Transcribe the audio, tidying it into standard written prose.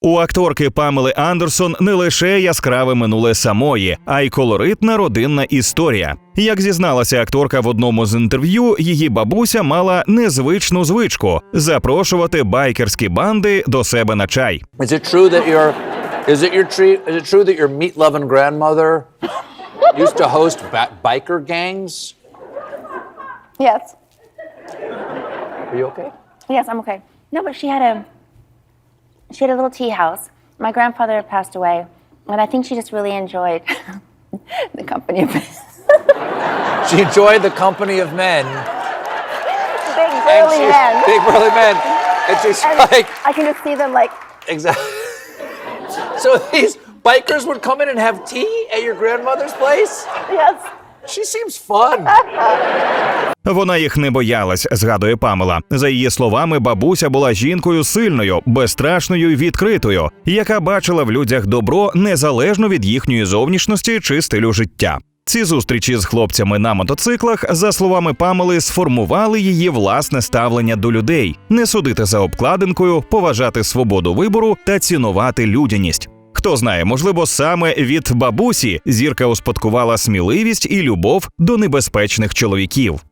У акторки Памели Андерсон не лише яскраве минуле самої, а й колоритна родинна історія. Як зізналася акторка в одному з інтерв'ю, її бабуся мала незвичну звичку – запрошувати байкерські банди до себе на чай. Is it true that your meat-loving grandmother used to host biker gangs? Yes. Are you okay? Yes, I'm okay. No, but she had a little tea house. My grandfather passed away, and I think she just really enjoyed the company of men. She enjoyed the company of men. Big burly men. Big burly men. And she's And like... I can just see them like, Exactly. So these bikers would come in and have tea at your grandmother's place? yes. She seems fun. Вона їх не боялась, згадує Памела. За її словами, бабуся була жінкою сильною, безстрашною і відкритою, яка бачила в людях добро незалежно від їхньої зовнішності чи стилю життя. Ці зустрічі з хлопцями на мотоциклах, за словами Памели, сформували її власне ставлення до людей – не судити за обкладинкою, поважати свободу вибору та цінувати людяність. Хто знає, можливо, саме від бабусі зірка успадкувала сміливість і любов до небезпечних чоловіків.